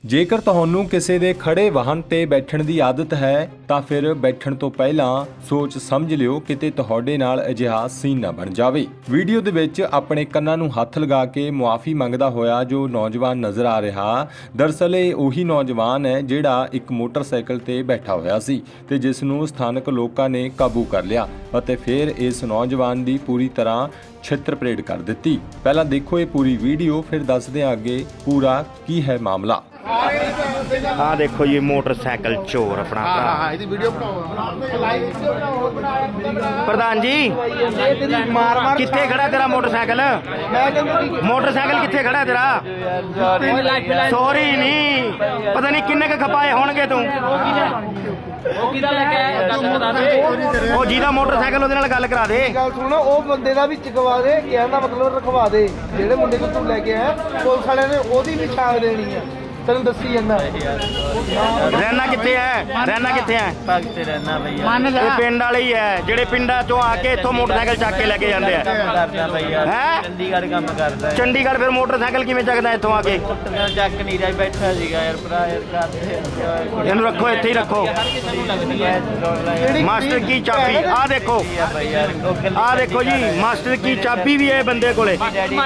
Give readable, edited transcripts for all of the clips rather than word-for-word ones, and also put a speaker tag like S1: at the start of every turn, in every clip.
S1: ਜੇਕਰ ਤੁਹਾਨੂੰ ਕਿਸੇ ਦੇ ਖੜੇ ਵਾਹਨ ਤੇ ਬੈਠਣ ਦੀ ਆਦਤ ਹੈ ਤਾਂ ਫਿਰ ਬੈਠਣ ਤੋਂ ਪਹਿਲਾਂ ਸੋਚ ਸਮਝ ਲਿਓ ਕਿਤੇ ਤੁਹਾਡੇ ਨਾਲ ਅਜਿਹਾ ਸੀਨ ਨਾ ਬਣ ਜਾਵੇ। ਵੀਡੀਓ ਦੇ ਵਿੱਚ ਆਪਣੇ ਕੰਨਾਂ ਨੂੰ ਹੱਥ ਲਗਾ ਕੇ ਮੁਆਫੀ ਮੰਗਦਾ ਹੋਇਆ ਜੋ ਨੌਜਵਾਨ ਨਜ਼ਰ ਆ ਰਿਹਾ, ਦਰਅਸਲ ਇਹ ਉਹੀ ਨੌਜਵਾਨ ਹੈ ਜਿਹੜਾ ਇੱਕ ਮੋਟਰਸਾਈਕਲ ਤੇ ਬੈਠਾ ਹੋਇਆ ਸੀ ਤੇ ਜਿਸ ਨੂੰ ਸਥਾਨਕ ਲੋਕਾਂ ਨੇ ਕਾਬੂ ਕਰ ਲਿਆ ਅਤੇ ਫਿਰ ਇਸ ਨੌਜਵਾਨ ਦੀ ਪੂਰੀ ਤਰ੍ਹਾਂ ਛਿੱਤਰ ਪਰੇਡ ਕਰ ਦਿੱਤੀ। ਪਹਿਲਾਂ ਦੇਖੋ ਇਹ ਪੂਰੀ ਵੀਡੀਓ, ਫਿਰ ਦੱਸਦੇ ਹਾਂ ਅੱਗੇ ਪੂਰਾ ਕੀ ਹੈ ਮਾਮਲਾ।
S2: ਆ ਦੇਖੋ ਜੀ ਮੋਟਰਸਾਈਕਲ ਚੋਰ ਆਪਣਾ ਭਰਾ।
S3: ਇਹਦੀ ਵੀਡੀਓ ਬਣਾਓ
S2: ਪ੍ਰਧਾਨ ਜੀ, ਕਿੱਥੇ ਖੜਾ ਤੇਰਾ ਮੋਟਰਸਾਈਕਲ? ਮੋਟਰਸਾਈਕਲ ਕਿੱਥੇ ਖੜਾ ਤੇਰਾ? ਸੌਰੀ ਨਹੀਂ, ਪਤਾ ਨਹੀਂ ਕਿੰਨੇ ਕ ਖਪਾਏ ਹੋਣਗੇ ਤੂੰ। ਉਹ ਜਿਹਦਾ ਮੋਟਰਸਾਈਕਲ ਉਹਦੇ ਨਾਲ ਗੱਲ ਕਰਾ ਦੇ।
S3: ਗੱਲ ਸੁਣ, ਉਹ ਬੰਦੇ ਦਾ ਵੀ ਚਕਵਾ ਦੇ, ਕਹਿਣ ਦਾ ਮਤਲਬ ਰਖਵਾ ਦੇ। ਜਿਹੜੇ ਮੁੰਡੇ ਨੂੰ ਤੂੰ ਲੈ ਕੇ ਆਇਆ ਪੁਲਿਸ ਵਾਲਿਆਂ ਨੇ ਉਹਦੀ ਵੀ ਛਾਪ ਦੇਣੀ ਆ, ਤੈਨੂੰ ਦੱਸੀ ਜਾਂਦਾ।
S2: ਰਹਿਣਾ ਕਿੱਥੇ ਹੈ? ਰਹਿਣਾ ਕਿੱਥੇ ਹੈ?
S4: ਭਗਤ ਰਹਿਣਾ ਭਈਆ।
S2: ਇਹ ਪਿੰਡ ਵਾਲੇ ਹੀ ਹੈ ਜਿਹੜੇ ਪਿੰਡਾਂ ਚੋਂ ਆ ਕੇ ਇੱਥੋਂ ਮੋਟਰਸਾਈਕਲ ਚੱਕ ਕੇ ਲੈ ਕੇ ਜਾਂਦੇ ਆ।
S4: ਕਰਦਾ ਭਈਆ,
S2: ਹੈਂ?
S4: ਚੰਡੀਗੜ੍ਹ ਕੰਮ ਕਰਦਾ ਹੈ।
S2: ਚੰਡੀਗੜ੍ਹ ਫਿਰ ਮੋਟਰਸਾਈਕਲ ਕਿਵੇਂ ਚੱਕਦਾ ਇੱਥੋਂ ਆ ਕੇ?
S4: ਚੱਕ ਨਹੀਂ ਰਿਹਾ, ਬੈਠਾ ਸੀਗਾ ਯਾਰ ਭਰਾ ਯਾਰ ਕਰਦੇ।
S2: ਇਹਨੂੰ ਰੱਖੋ, ਇੱਥੇ ਹੀ ਰੱਖੋ। ਮਾਸਟਰ ਕੀ ਚਾਬੀ ਆ ਦੇਖੋ, ਆ ਦੇਖੋ ਜੀ ਮਾਸਟਰ ਕੀ ਚਾਬੀ ਵੀ ਹੈ ਬੰਦੇ ਕੋਲੇ।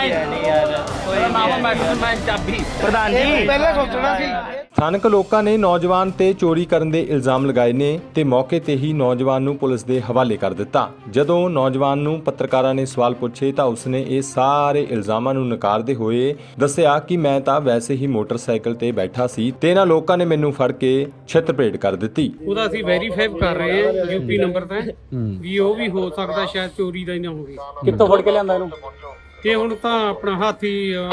S2: ਪ੍ਰਧਾਨ ਜੀ
S3: ਪਹਿਲਾਂ ਸੋਚਣਾ ਸੀ।
S1: ਸਥਾਨਕ ਲੋਕਾਂ ਨੇ ਨੌਜਵਾਨ ਤੇ ਚੋਰੀ ਕਰਨ ਦੇ ਇਲਜ਼ਾਮ ਲਗਾਏ ਨੇ ਤੇ ਮੌਕੇ ਤੇ ਹੀ ਨੌਜਵਾਨ ਨੂੰ ਪੁਲਿਸ ਦੇ ਹਵਾਲੇ ਕਰ ਦਿੱਤਾ। ਜਦੋਂ ਨੌਜਵਾਨ ਨੂੰ ਪੱਤਰਕਾਰਾਂ ਨੇ ਸਵਾਲ ਪੁੱਛੇ ਤਾਂ ਉਸਨੇ ਇਹ ਸਾਰੇ ਇਲਜ਼ਾਮਾਂ ਨੂੰ ਨਕਾਰਦੇ ਹੋਏ ਦੱਸਿਆ ਕਿ ਮੈਂ ਤਾਂ ਵੈਸੇ ਹੀ ਮੋਟਰਸਾਈਕਲ ਤੇ ਬੈਠਾ ਸੀ ਤੇ ਇਹਨਾਂ ਲੋਕਾਂ ਨੇ ਮੈਨੂੰ ਫੜ ਕੇ ਛਿੱਤਰ ਪਰੇਡ ਕਰ ਦਿੱਤੀ।
S5: ਉਹਦਾ ਅਸੀਂ ਵੈਰੀਫਾਈ ਕਰ ਰਹੇ ਹਾਂ ਯੂਪੀ ਨੰਬਰ ਤੇ ਵੀ ਉਹ ਵੀ ਹੋ ਸਕਦਾ ਸ਼ਾਇਦ ਚੋਰੀ ਦਾ ਹੀ ਨਾ ਹੋਵੇ।
S6: ਕਿੱਥੋਂ ਫੜ ਕੇ ਲਿਆਂਦਾ ਇਹਨੂੰ?
S5: ਤੇ ਹੁਣ ਤਾਂ ਆਪਣਾ ਹਾਥੀ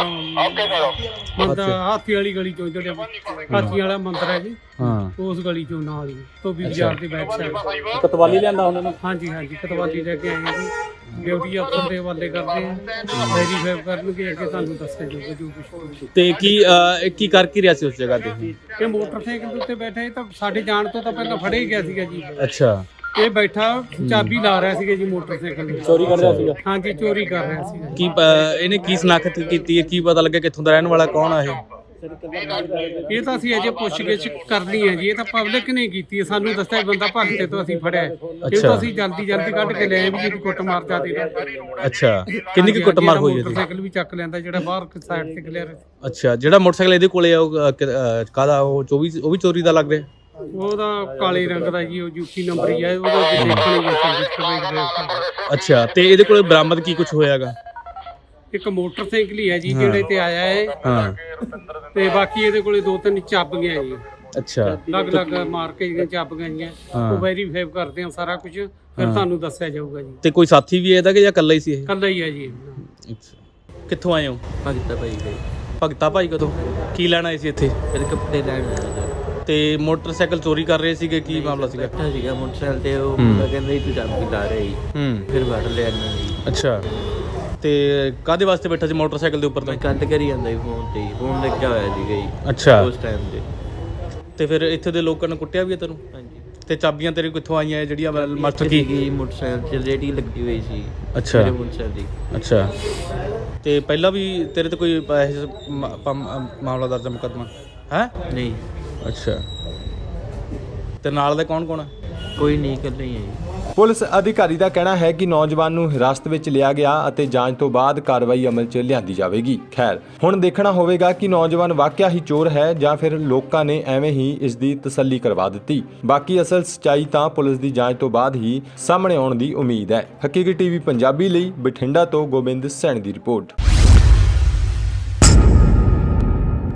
S5: ਹਾਥੀ ਵਾਲੀ ਗਲੀ ਚੋਂ, ਜਿਹੜੇ ਹਾਥੀ ਵਾਲਾ ਮੰਦਿਰ ਹੈ ਜੀ, ਉਸ ਗਲੀ ਚੋਂ ਨਾਲ ਹੀ ਧੋਬੀ ਬਾਜ਼ਾਰ ਦੇ ਬੈਕ ਸਾਈਡ।
S6: ਕਤਵਾਲੀ ਲਿਆਂਦਾ ਉਹਨਾਂ ਨੂੰ?
S5: ਹਾਂਜੀ ਕਤਵਾਲੀ ਲੈ ਕੇ ਆਏ ਹਾਂ ਜੀ। ਡਿਊਟੀ ਅਫਸਰ ਦੇ ਹਵਾਲੇ ਕਰਦੇ ਆ, ਵੈਰੀਫਾਈ ਕਰਨਗੇ, ਅੱਗੇ ਤੁਹਾਨੂੰ ਦੱਸਿਆ ਜਾਊਗਾ ਜੋ ਕੁਝ।
S6: ਤੇ ਕੀ ਕਰ ਕੀ ਰਿਹਾ ਸੀ ਉਸ ਜਗ੍ਹਾ ਤੇ?
S5: ਇਹ ਮੋਟਰਸਾਈਕਲ ਦੇ ਉੱਤੇ ਬੈਠਾ, ਇਹ ਤਾਂ ਸਾਡੇ ਜਾਣ ਤੋਂ ਤਾਂ ਪਹਿਲਾਂ ਫੜੇ ਹੀ ਗਿਆ ਸੀਗਾ ਜੀ।
S6: ਅੱਛਾ,
S5: ਇਹ ਬੈਠਾ ਚਾਬੀ ਲਾ ਰਿਹਾ ਸੀਗਾ ਜੀ ਮੋਟਰਸਾਈਕਲ ਦੀ।
S6: ਚੋਰੀ ਕਰ ਰਿਹਾ ਸੀਗਾ?
S5: ਹਾਂਜੀ ਚੋਰੀ ਕਰ ਰਿਹਾ ਸੀਗਾ।
S6: ਕੀ ਇਹਨੇ ਕੀ ਸ਼ਨਾਖਤ ਕੀਤੀ ਹੈ? ਕੀ ਪਤਾ ਲੱਗਿਆ ਕਿੱਥੋਂ ਦਾ ਰਹਿਣ ਵਾਲਾ, ਕੌਣ ਆ ਇਹ?
S5: ਇਹ ਤਾਂ ਅਸੀਂ ਅਜੇ ਪੁੱਛਗਿੱਛ ਕਰਨੀ ਹੈ ਜੀ। ਇਹ ਤਾਂ ਪਬਲਿਕ ਨੇ ਕੀਤੀ ਹੈ, ਸਾਨੂੰ ਦੱਸਿਆ ਬੰਦਾ ਭਗਤੇ ਤੋਂ ਅਸੀਂ ਫੜਿਆ। ਇਹ ਤਾਂ ਅਸੀਂ ਜਲਦੀ ਕੱਢ ਕੇ ਲੈ ਆਏ ਵੀ ਜਿਹਦੀ ਕੁੱਟ ਮਾਰ ਜਾਂਦੀ ਨਾ।
S6: ਅੱਛਾ, ਕਿੰਨੀ ਕੀ ਕੁੱਟ ਮਾਰ ਹੋਈ ਹੈ?
S5: ਮੋਟਰਸਾਈਕਲ ਵੀ ਚੱਕ ਲੈਂਦਾ ਜਿਹੜਾ ਬਾਹਰ ਸਾਈਡ ਤੇ ਖਲਿਆ ਰਿਹਾ।
S6: ਅੱਛਾ, ਜਿਹੜਾ ਮੋਟਰਸਾਈਕਲ ਇਹਦੇ ਕੋਲੇ ਆ ਉਹ ਕਾਹਦਾ? ਉਹ ਵੀ ਚੋਰੀ ਦਾ ਲੱਗ ਰਿਹਾ?
S5: ਉਹਦਾ ਕਾਲੇ ਰੰਗ ਦਾ ਜੀ, ਉਹ ਯੂਪੀ ਨੰਬਰ ਹੀ ਹੈ ਉਹਦਾ।
S6: ਅੱਛਾ, ਤੇ ਇਹਦੇ ਕੋਲੇ ਬਰਾਮਦ ਕੀ ਕੁਝ ਹੋਇਆਗਾ?
S5: ਇੱਕ ਮੋਟਰਸਾਈਕਲ ਹੀ ਹੈ ਜੀ ਜਿਹੜੇ ਤੇ ਆਇਆ ਹੈ। ਹਾਂ, ਤੇ ਬਾਕੀ ਇਹਦੇ ਕੋਲੇ 2-3 ਚਾਬੀਆਂ ਜੀ।
S6: ਅੱਛਾ,
S5: ਅਲੱਗ ਮਾਰ ਕੇ ਜਿਹੜੀਆਂ ਚਾਬੀਆਂ ਜੀਆਂ ਉਹ ਵੈਰੀਫਾਈ ਕਰਦੇ ਆ ਸਾਰਾ ਕੁਝ, ਫਿਰ ਤੁਹਾਨੂੰ ਦੱਸਿਆ ਜਾਊਗਾ ਜੀ।
S6: ਤੇ ਕੋਈ ਸਾਥੀ ਵੀ ਇਹਦਾ ਕਿ ਜਾਂ ਇਕੱਲਾ ਹੀ ਸੀ ਇਹ?
S5: ਇਕੱਲਾ ਹੀ ਹੈ ਜੀ।
S6: ਅੱਛਾ, ਕਿੱਥੋਂ ਆਏ ਹੋ?
S4: ਭਗਤਾ ਭਾਈ ਗਏ।
S6: ਭਗਤਾ ਭਾਈ ਕਦੋਂ ਕੀ ਲੈਣ ਆਏ ਸੀ ਇੱਥੇ?
S4: ਫਿਰ ਕੱਪੜੇ ਲੈਣ ਆਇਆ
S6: ਤੇ ਮੋਟਰਸਾਈਕਲ ਚੋਰੀ ਕਰ ਰਹੇ ਸੀਗੇ, ਕੀ ਮਾਮਲਾ ਸੀਗਾ?
S4: ਬੈਠਾ ਸੀਗਾ ਮੋਟਰਸਾਈਕਲ ਤੇ, ਉਹ ਮੁੰਡਾ ਕਹਿੰਦਾ ਸੀ ਤੂੰ ਚਾਬੀ ਲਾ ਰਿਹਾ ਸੀ। ਫਿਰ ਵੜ ਲਿਆ ਇਹਨਾਂ ਨੇ।
S6: ਅੱਛਾ, ਤੇ ਕਾਹਦੇ ਵਾਸਤੇ ਬੈਠਾ ਸੀ ਮੋਟਰਸਾਈਕਲ ਦੇ ਉੱਪਰ?
S4: ਮੈਂ ਕੰਧ ਕਰੀ ਜਾਂਦਾ ਸੀ ਫੋਨ ਤੇ, ਫੋਨ ਲੱਗਿਆ ਹੋਇਆ ਸੀਗਾ ਜੀ।
S6: ਅੱਛਾ,
S4: ਉਸ ਟਾਈਮ ਤੇ।
S6: ਤੇ ਫਿਰ ਇੱਥੇ ਦੇ ਲੋਕਾਂ ਨੇ ਕੁੱਟਿਆ ਵੀ ਹੈ ਤੈਨੂੰ?
S4: ਹਾਂਜੀ।
S6: ਤੇ ਚਾਬੀਆਂ ਤੇਰੇ ਕਿੱਥੋਂ ਆਈਆਂ ਜਿਹੜੀਆਂ ਮਾਸਟਰ ਕੀ?
S4: ਮੋਟਰਸਾਈਕਲ 'ਚ ਰੇਡੀ ਲੱਗੀ ਹੋਈ ਸੀ।
S6: ਅੱਛਾ।
S4: ਮੇਰੇ ਮੋਟਰਸਾਈਕਲ ਦੀ।
S6: ਅੱਛਾ, ਤੇ ਪਹਿਲਾਂ ਵੀ ਤੇਰੇ ਤੇ ਕੋਈ ਮਾਮਲਾ ਦਰਜ ਮੁਕੱਦਮਾ ਹੈ?
S4: ਨਹੀਂ।
S6: ਅੱਛਾ, ਤੇ ਨਾਲ ਦੇ ਕੌਣ ਹੈ?
S4: ਕੋਈ ਨਹੀਂ, ਇਕੱਲੇ ਹੀ ਹੈ ਜੀ।
S1: ਪੁਲਿਸ ਅਧਿਕਾਰੀ ਦਾ ਕਹਿਣਾ ਹੈ ਕਿ ਨੌਜਵਾਨ ਨੂੰ ਹਿਰਾਸਤ ਵਿੱਚ ਲਿਆ ਗਿਆ ਅਤੇ ਜਾਂਚ ਤੋਂ ਬਾਅਦ ਕਾਰਵਾਈ ਅਮਲ 'ਚ ਲਿਆਂਦੀ ਜਾਵੇਗੀ। ਖੈਰ, ਹੁਣ ਦੇਖਣਾ ਹੋਵੇਗਾ ਕਿ ਨੌਜਵਾਨ ਵਾਕਿਆ ਹੀ ਚੋਰ ਹੈ ਜਾਂ ਫਿਰ ਲੋਕਾਂ ਨੇ ਐਵੇਂ ਹੀ ਇਸ ਦੀ ਤਸੱਲੀ ਕਰਵਾ ਦਿੱਤੀ। ਬਾਕੀ ਅਸਲ ਸੱਚਾਈ ਤਾਂ ਪੁਲਿਸ ਦੀ ਜਾਂਚ ਤੋਂ ਬਾਅਦ ਹੀ ਸਾਹਮਣੇ ਆਉਣ ਦੀ ਉਮੀਦ ਹੈ। ਹਕੀਕਤ ਟੀਵੀ ਪੰਜਾਬੀ ਲਈ ਬਠਿੰਡਾ ਤੋਂ ਗੋਬਿੰਦ ਸੈਣੀ ਦੀ ਰਿਪੋਰਟ।